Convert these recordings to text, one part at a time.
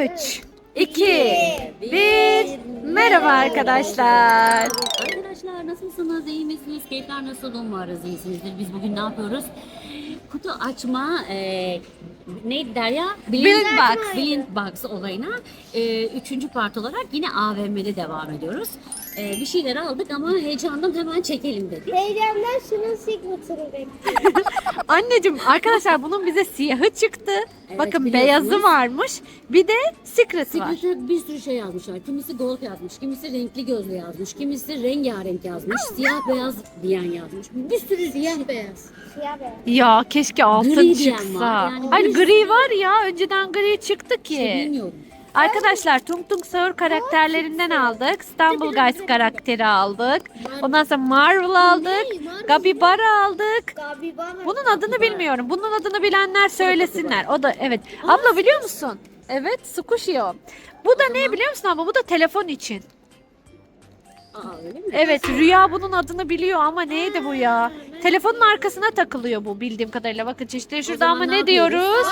3, 2, 1. Merhaba arkadaşlar. Arkadaşlar nasılsınız? İyi misiniz? Keyifler nasıl? Umarız iyisinizdir. Biz bugün ne yapıyoruz? Kutu açma neydi Derya? Blind Box olayına 3. part olarak yine AVM'de devam ediyoruz. Bir şeyler aldık ama heyecandan hemen çekelim dedik. Heyecandan şunun signatur'ı bekliyorum. Anneciğim arkadaşlar bunun bize siyahı çıktı. Evet, Bakın biliyorsunuz. beyazı varmış. Bir de secret var. Secret'e bir sürü şey yazmışlar. Kimisi gold yazmış, kimisi renkli gözlü yazmış, kimisi rengarenk yazmış, siyah beyaz diyen yazmış. Bir sürü Siyah beyaz. Siyah beyaz. Ya keşke altın Gri diyen çıksa. var. Yani Hayır bir gri var ya. Önceden gri çıktı ki. bilmiyorum. Arkadaşlar Tung Tung Sahur karakterlerinden aldık. İstanbul Guys karakteri aldık. Ondan sonra Marvel aldık. Gabi Bara aldık. Gabibana. Bunun adını bilmiyorum. Bunun adını bilenler söylesinler. O da evet. Abla biliyor musun? Evet, Squishio. Bu da ne biliyor musun abla? Bu da telefon için. Aa öyle mi? Evet, Rüya bunun adını biliyor ama neydi bu ya? Telefonun arkasına takılıyor bu bildiğim kadarıyla. Bakın çeşitleri şurada zaman ama ne ne diyoruz?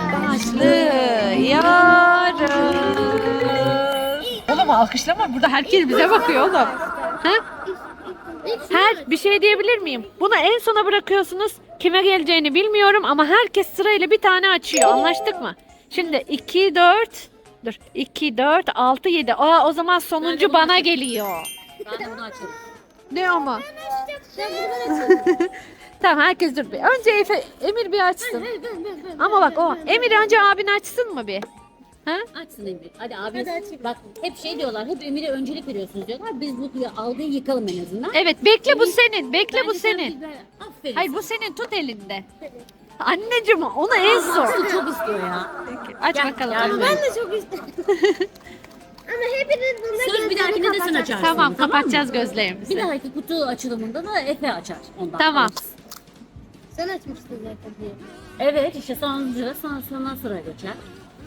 Başlıyoruz. Oğlum alkışlama, burada herkes bize bakıyor oğlum. Ha? Her bir şey diyebilir miyim? Bunu en sona bırakıyorsunuz. Kime geleceğini bilmiyorum ama herkes sırayla bir tane açıyor. Anlaştık mı? Şimdi 2 4 dur. 2 4 6 7. O zaman sonuncu bana geliyor. Ben de bunu açarım. Ne ama? Sen buradan açın. Tamam herkes dur bir. Önce Emir bir açsın. Ama bak o Emir önce abin açsın mı bir? Ha? Açsın Emir. Hadi abi. Hadi açayım. Bak hep şey diyorlar. Hep Emir'e öncelik veriyorsunuz diyorlar. Biz bu algıyı yıkalım en azından. Evet bekle bu senin. Bekle bu Bence sen senin. Aferin. Hayır bu senin tut elinde. Anneciğim onu en son. Aslı çok istiyor ya. Aç Gel, bakalım. yardım Emir. et. Ben de çok istedim. Ama hepiniz bunda Söz bir dahakine de sen açarsın. Tamam kapatacağız mı? gözlerimizi. Bir dahaki kutu açılımında da Efe açar. Ondan Tamam. alırız. Sen açmıştın zaten diye. Evet işte sonra sıra geçer.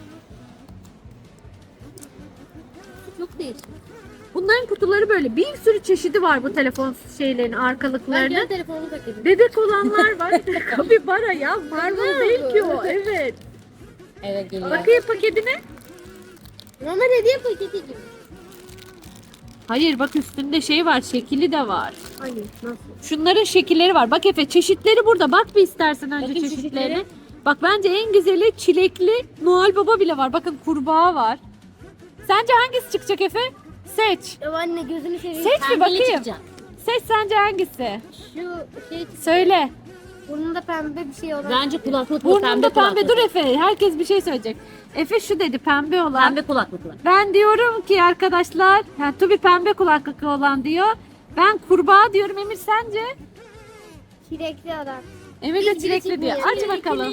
Çok değişik. Bunların kutuları böyle bir sürü çeşidi var bu telefon şeylerin Ben arkalıklarının. gel telefonumu takayım. Bebek olanlar var. Kapibara ya. Marvel değil ki o. Evet. Evet geliyor. Bakayım paketine. Normal hediye paketi gibi. Hayır bak üstünde şey var. Şekili de var. Hani nasıl? Şunların şekilleri var. Bak Efe çeşitleri burada. Bak bir istersen önce Bakayım çeşitlerine. çeşitleri. Bak bence en güzeli çilekli Noel Baba bile var. Bakın kurbağa var. Sence hangisi çıkacak Efe? Seç. Ya anne gözünü seveyim. Seç bir Pembeli bakayım. çıkacak. Seç sence hangisi? Şu şey Söyle. burnunda pembe bir şey olan. Bence kulaklıklı Burnunda pembe. kulaklık. Dur Efe. Herkes bir şey söyleyecek. Efe şu dedi pembe olan. Pembe kulaklıklı. Ben diyorum ki arkadaşlar, yani Tubi pembe kulaklıklı olan diyor. Ben kurbağa diyorum. Emir sence? Çilekli adam. Emir de Hiçbiri çilekli diyor. çıkmıyor. Aç bakalım.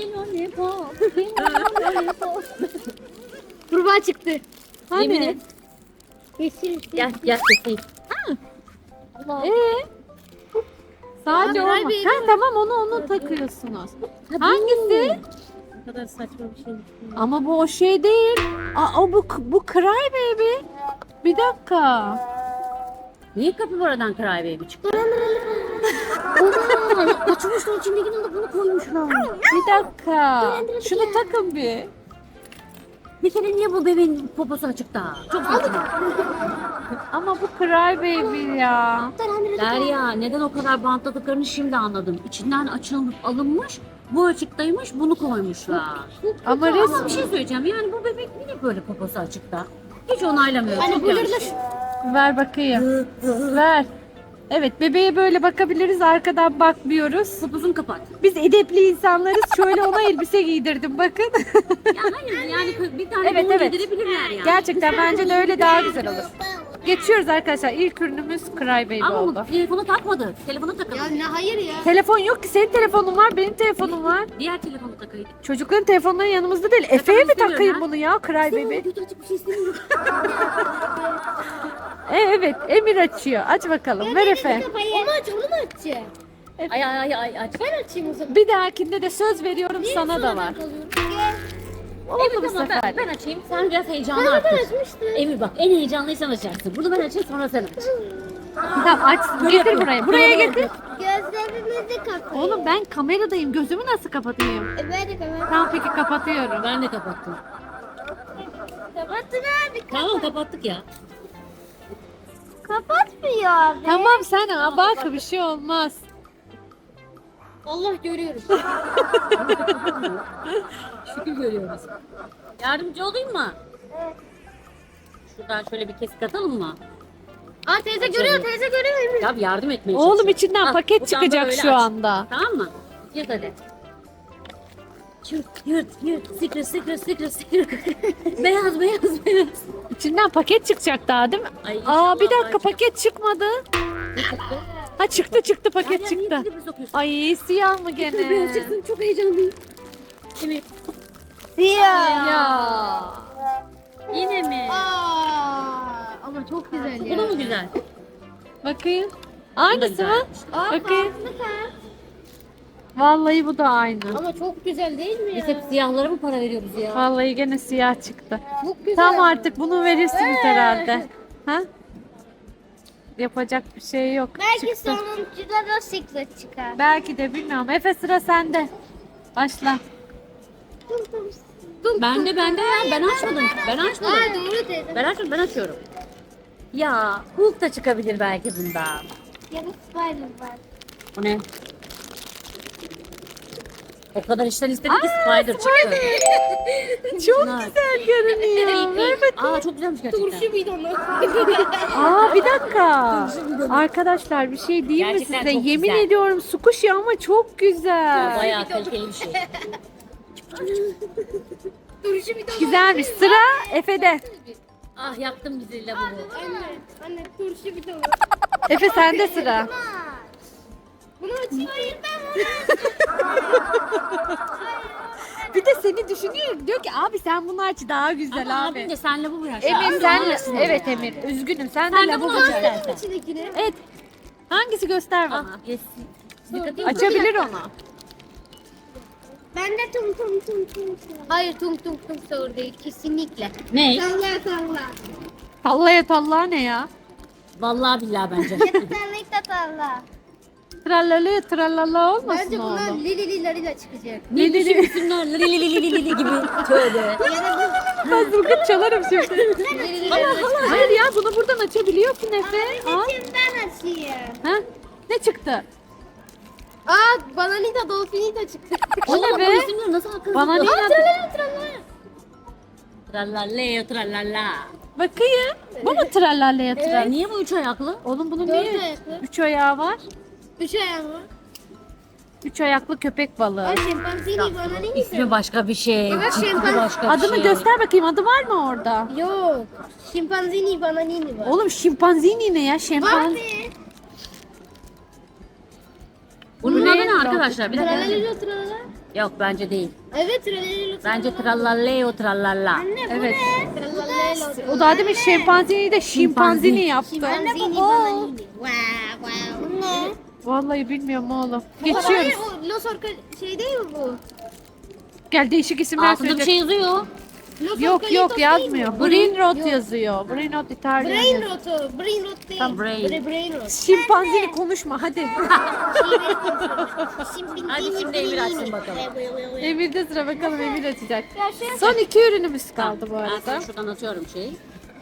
Kurbağa çıktı. Yemin Hani? et. Yeşil. Gel gel keseyim. Sadece o Noel mu? Baby Ha tamam onu takıyorsunuz. Hangisi? Ne kadar saçma bir şey. Ama bu o şey değil. Aa, o bu Cry Baby. Bir dakika. Niye kapibaradan Cry Baby çıktı? Açmışlar içindekini de bunu koymuşlar. Bir dakika. Şunu takın bir. Bir kere niye bu bebeğin poposu açıkta? Çok saçma. Ama bu Cry Baby ya. Derya neden o kadar bantladıklarını şimdi anladım. İçinden açılmış alınmış. Bu açıktaymış bunu koymuşlar. Ama Ama bir resmi. şey söyleyeceğim. Yani bu bebek niye böyle poposu açıkta? Hiç onaylamıyorum. Hani Çok bu yanlış. Ver bakayım. Ver. Evet bebeğe böyle bakabiliriz. Arkadan bakmıyoruz. Poposunu kapat. Biz edepli insanlarız. Şöyle ona elbise giydirdim bakın. Ya hayır yani bir tane Evet, bunu evet. giydirebilirler yani. Gerçekten bence de öyle daha güzel olur. Geçiyoruz arkadaşlar. İlk ürünümüz Cry Baby Ama oldu. bu telefonu takmadı. Telefonu takalım. Ya ne hayır ya. Telefon yok ki. Senin telefonun var, benim telefonum var. Diğer telefonu takayım. Çocukların telefonları yanımızda değil. Efe'ye mi istemiyorum takayım ya. bunu ya Cry Baby? Kötü açık bir şey istemiyorum. Evet, Emir açıyor. Aç bakalım. Ver Efe. Onu aç onu mu açacak? Ay aç. Ben açayım o zaman. Bir dahakinde de söz veriyorum sana da var. Oldu bu Evet ama sefer. ben açayım. Sen biraz heyecanlı Ben arttır. açmıştım. Emir bak en heyecanlıysan açacaksın. Bunu ben açayım sonra sen aç. Tamam aç. Getir buraya. Buraya getir. Gözlerimizi kapayın. Oğlum ben kameradayım. Gözümü nasıl kapatayım? Ben de kamera. Tamam peki kapatıyorum. Ben de kapattım. Kapattın abi. Tamam kapattık ya. Kapatmıyor abi. Tamam sen bak bir şey olmaz. Allah görüyoruz. Şükür görüyoruz. Yardımcı olayım mı? Evet. Şuradan şöyle bir kesik atalım mı? Aa teyze görüyor, teyze görüyor. Ya yardım etmeye Oğlum çalışıyorum. içinden Al, paket buradan da çıkacak böyle şu aç. anda. Tamam mı? Yırt hadi. Yırt. Secret. Beyaz. İçinden paket çıkacak daha değil mi? Ay, Aa inşallah bir dakika çıkar. paket çıkmadı. Ne çıktı? Ha çıktı paket Ya, çıktı. niye bir sokuyorsun? Ay siyah mı Beyaz gene? çıksın, çok heyecanlıyım. Evet. Siyah. Ya. Yine mi? Ama çok güzel Bu da mı güzel? Bakayım. Bu da Aynısı mı? güzelmiş. Bakayım. Vallahi bu da aynı. Ama çok güzel değil mi ya? Biz hep siyahlara mı para veriyoruz ya? Vallahi gene siyah çıktı. Çok güzel. Tamam artık bunu verirsiniz herhalde. Ha? Yapacak bir şey yok. Belki Çıktı. sonuncuda da secret çıkar. Belki de bilmiyorum. Efe sıra sende. Başla. Ben de ya. Ben açmadım. Aa doğru teyze. Ben açıyorum. Ya Hulk da çıkabilir belki bundan. Ya da spider var. O ne? O kadar işten istedik ki Spider çıktı. Çok Bunlar. güzel görünüyor. Evet. Aa çok güzelmiş gerçekten. bidonu. Aa bir dakika. Arkadaşlar bir şey diyeyim mi Gerçekten size? çok Yemin güzel. ediyorum squishy ama çok güzel. Bayağı kaliteli bir şey. Turşu bidonu. Güzelmiş. Sıra Efe'de. Ah yaktım bizi lavuğu. Anne turşu bidonu. Efe sende sıra. Bunu açayım. Hayır ben bunu Bir de seni düşünüyor. Diyor ki abi sen bunu aç daha güzel Ama abi. abim de sen lavabo yaş. Emir sen evet Emir üzgünüm sen de Sen de lavabo bunu aç aç. istersen. içindekini. Evet. Hangisi göster Ah bana. yesin. Dikkat edin. Açabilir onu. Ben de tum tum tum tum. Hayır tum tum tum sağır değil kesinlikle. Ne? Salla salla. Tallaya tallaya ne ya? Vallahi billahi bence. Kesinlikle salla. Trallala trallala olmasın Bence bunlar oğlum. lili larila çıkacak. Ne düşünsünler? Li gibi. Tövbe. Ya da Ben zılgıt çalarım şimdi. lili larila. Hayır ya bunu buradan açabiliyorsun Efe. Al. Ben açayım. Ha? Ne çıktı? Aa Bananita Dolfinita çıktı. O ne Oğlum be? bu isimler nasıl akıllı? Bana ne Aa Trallalleo trallalla. Bakayım. Bu mu trallalaya tral? Niye bu üç ayaklı? Oğlum bunun Dört niye ayaklı. 3 ayağı var? 3 ayağı mı? 3 ayaklı köpek balığı. Aa şempanzini Bananita. İsmi başka bir şey. Bak, Ciddi şempanze. başka bir Adını şey. göster bakayım. Adı var mı orada? Yok. Şimpanzini Bananini var. Oğlum şimpanzini ne ya? Var Şempanz. mı? Bunun Bu adı ne? ne arkadaşlar? Bir dakika. Tralalelo tralala. Yok bence değil. Evet tralalelo tralala. Bence trallalleo trallalla. Anne bu Evet. ne? Tralalelo. O daha demin şempanzini de şimpanzini yaptı. Şimpanzini Bananini. Wow wow. Bu ne? Vallahi bilmiyorum oğlum. Hayır Geçiyoruz. o Los Orca şey değil mi bu? Gel değişik isimler Altında bir söyleyecek. şey yazıyor. Los Yok Orcalitos yok değil mi? yazmıyor. Brain rot yazıyor. Brain rot İtalyan. Brain rotu. Brain rot değil. Tam brain. Brain rot. Şimpanzini konuşma hadi. Hadi şimdi Emir açsın bakalım. Emir'de sıra bakalım Emir açacak. Ya şey- Son 2 ürünümüz kaldı bu Ben arada. sana şuradan atıyorum şeyi.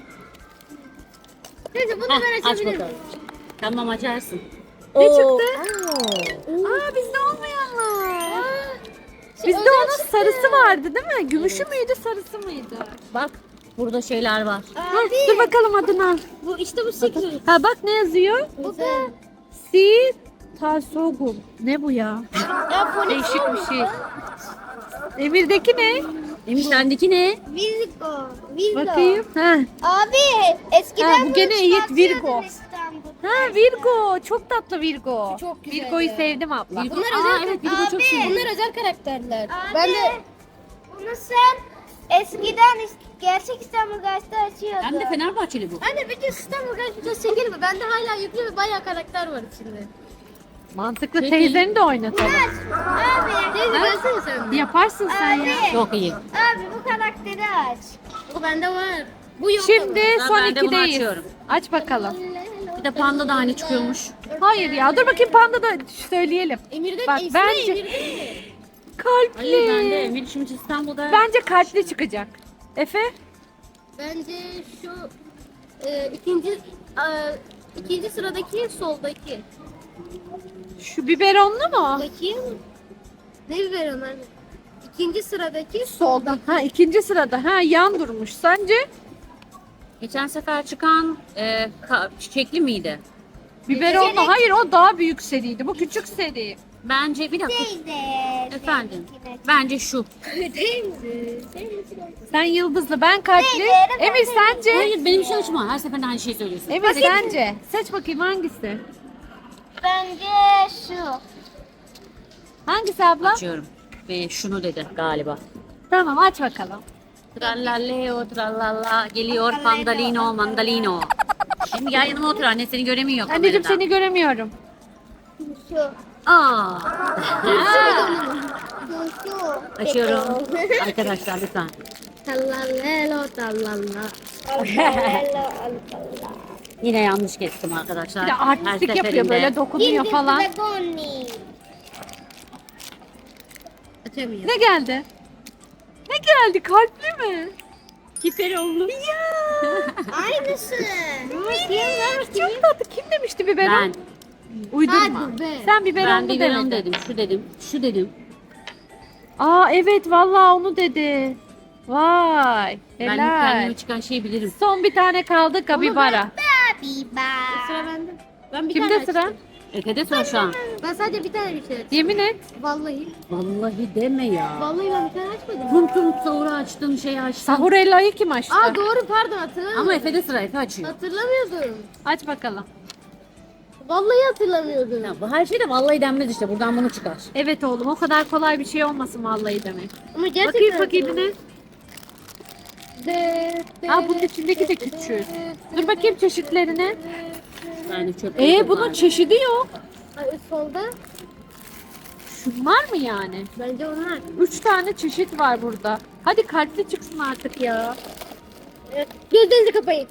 Neyse bunu Heh, ben aç açabilirim. bakalım. Tamam açarsın. Ne Oo. çıktı? Aa bizde olmayanlar. Bizde onun sarısı vardı değil mi? Gümüşü müydü sarısı mıydı? Bak burada şeyler var. Dur, dur bakalım adını. Bu işte bu secret. Ha bak ne yazıyor? Bu da. Si Tasogum. Ne bu ya? Ya fonik Değişik bir şey. Emir'deki ne? Emir sendeki ne? Virgo. Virgo. Bakayım. Ha. Abi eskiden Ha, bu bunu gene Yiğit çıkartıyordun Virgo. İstanbul'da. Ha Virgo. Çok tatlı Virgo. Çok güzel Virgo'yu ya. sevdim abla. Virgo. Bunlar Aa, özel evet, Virgo çok abi, seviyorum. bunlar özel karakterler. Abi, Ben de bunu sen eskiden gerçek İstanbul Gazetesi açıyordun. Hem de Fenerbahçeli bu. anne bir de İstanbul Gazetesi çekelim mi? Bende hala yüklü ve bayağı karakter var içinde. Mantıklı Peki. teyzeni de oynatalım. Abi, Teyze gelsene sen. Yaparsın sen ya. Çok iyi. abi bu karakteri aç. O bende var. Bu yok. Şimdi Ben son de bunu 2'deyiz. açıyorum. Aç bakalım. Bir de panda da hani çıkıyormuş. Hayır ya dur bakayım panda da söyleyelim. Emir'de Bak, ismi bence- Emir'de mi? Kalpli. Hayır ben de Emir şimdi İstanbul'da. Bence kalpli çıkacak. Efe? Bence şu ikinci sıradaki soldaki. Şu biberonlu mu? Bakayım. Ne biber onlar? İkinci sıradaki Solda. Ha, ikinci sırada. Ha, yan durmuş. Sence? Geçen sefer çıkan çiçekli miydi? Biberonlu. Hayır, o daha büyük seriydi. Bu küçük seri. Bence bir dakika. Teyze. Efendim. Bence şu. Değil mi? Sen yıldızlı, ben kalpli. Emir sence? Hayır benim şey açma. Her seferinde aynı şeyi söylüyorsun. Emir sence? Seç bakayım hangisi? Bence şu. Hangisi abla? Açıyorum. Ve şunu dedi galiba. Tamam, aç bakalım. Trallalleo trallalla geliyor pandalino mandalino. Şimdi gel yanıma otur anne seni göremiyor Anneciğim kamerada. seni göremiyorum. Şu. Aa. Şu. Açıyorum. Arkadaşlar lütfen. Tallallelo tallalla. Yine yanlış kestim arkadaşlar. Bir de artistik Her yapıyor, seferinde. böyle dokunuyor falan. Dragoni. Açamıyorum. Ne geldi? Ne geldi? Kalpli mi? Hiperonlu. Aynısı. Çok tatlı. Kim demişti biberon? Ben. Uydurma. Hadi be. Sen Ben biberonlu biberon demedin. dedim. Şu dedim. Şu dedim. Aa evet, vallahi onu dedi. Vay. Ben Helal. kendime çıkan şeyi bilirim. Son bir tane kaldı, Kabibara. Biba. Sıra bende. Ben bir tane Kimde sıra? açtım. Efe'de sıra şu an. Ben sadece bir tane bir şey açtım. Yemin et. Vallahi. Vallahi deme ya. Vallahi ben bir tane açmadım. Tum tum sahuru açtım şey açtım. Sahurella'yı kim açtı? Aa doğru, pardon, hatırlamıyorum. Ama Efe'de sıra Efe açıyor. Hatırlamıyordum. Aç bakalım. Vallahi hatırlamıyordum. Ya, bu her şey de vallahi denmez işte buradan bunu çıkar. Evet oğlum, o kadar kolay bir şey olmasın vallahi demek. Ama gerçekten Bakayım bir ne? Aa, bunun içindeki de küçük. Dur bakayım çeşitlerine. Yani çöp. Bunun çeşidi yok. Ay, solda. Şunlar mı yani? Bence onlar. 3 tane çeşit var burada. Hadi kalpli çıksın artık ya. Gözlerinizi kapayın.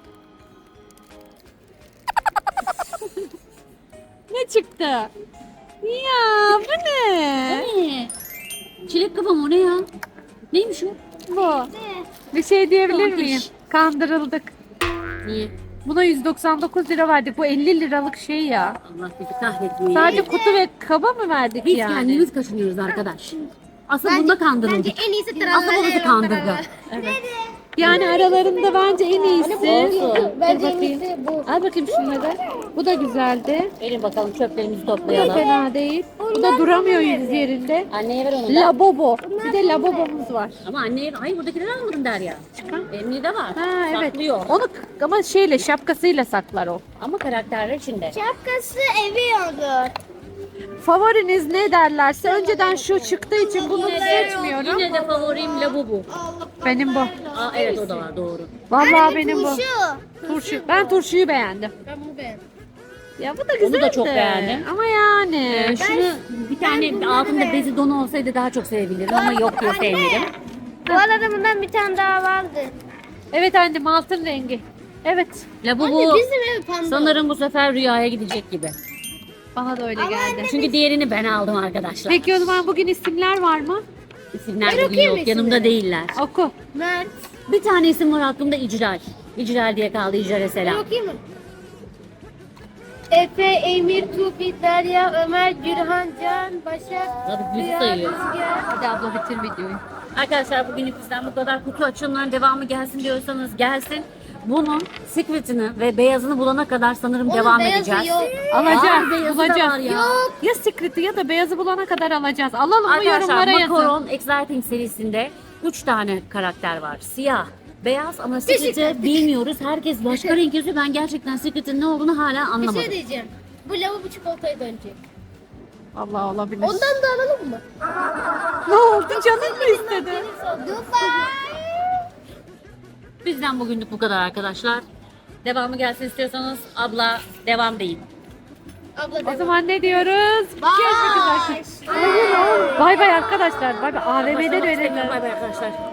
Ne çıktı? Ya bu ne? Ne? Çilek kafam o ne ya? Neymiş o? Bu. Bir şey diyebilir Tontiş. miyim? Kandırıldık. Niye? Buna 199 lira verdik. Bu 50 liralık şey ya. Allah bizi kahretmiyor. Sadece kutu ve kaba mı verdik Biz yani? kendimiz kaşınıyoruz arkadaş. Asıl bunda kandırıldık. Bence en iyisi Asıl burası kandırdı. Yani aralarında bence en iyisi. Bence Dur en bakayım. iyisi bu. Al bakayım şunları. Bu da güzeldi. Gelin bakalım çöplerimizi Bu da toplayalım. fena değil. Bu da duramıyor yüz yerinde. Anneye ver onu da. Labobo. Bir de labobomuz var. Ama anneye hayır buradakileri almadım der ya. Emni de var. Ha evet. Saklıyor. Onu ama şeyle, şapkasıyla saklar o. Ama karakterler içinde. Şapkası eviyordu. Favoriniz ne derlerse, önceden şu çıktığı için bunu seçmiyorum. Yine de favorim Labubu. Benim bu. Aa evet o da var doğru. Vallahi benim bu. Şu. Turşu. Ben turşuyu beğendim. Ben bunu beğendim. Ya bu da güzeldi. da çok beğendim. Ama yani. Şunu bir tane altında bezi donu olsaydı daha çok sevebilirdim ama yok diye sevmedim. Bu arada bundan bir tane daha vardı. Evet annem, altın rengi. Evet. Labubu Bizim ev panda. sanırım bu sefer rüyaya gidecek gibi. Bana da öyle geldi. Çünkü diğerini ben aldım arkadaşlar. Peki o zaman bugün isimler var mı? İsimler Ben bugün okuyayım yok. Yanımda değiller. Oku. Mert. Bir tane isim var aklımda İcral. İcral diye kaldı İcral'e Ben selam. okuyayım mı? Efe, Emir, Tufi, Derya, Ömer, Gürhan, Can, Başak, Hadi yüzü Rüya, sayıyor. Rüzgar. Hadi abla bitir videoyu. Arkadaşlar bugün bizden bu kadar. Kutu açılımların devamı gelsin diyorsanız gelsin. Bunun secret'ını ve beyazını bulana kadar sanırım Onun devam beyazı edeceğiz. yok. Alacağız, beyazı da bulacağız. var ya. Ya secret'ı ya da beyazı bulana kadar alacağız. Alalım mı, Arkadaşlar yorumlara yazın. Macaron Exciting serisinde 3 tane karakter var. Siyah, beyaz ama secret'ı bilmiyoruz. Herkes başka renk yazıyor. Ben gerçekten secret'ın ne olduğunu hala Bir anlamadım. şey diyeceğim. Bu lavabo çikolataya dönecek. Allah olabilir. Ondan da alalım mı? Ne oldu, canın mı istedi? Dubai. Bizden bugünlük bu kadar arkadaşlar. Devamı gelsin istiyorsanız abla devam deyin. Abla O zaman ne diyoruz? Görüşmek üzere. Bay bay arkadaşlar. Bay bay. AVM'de de öyle. Bay bay arkadaşlar.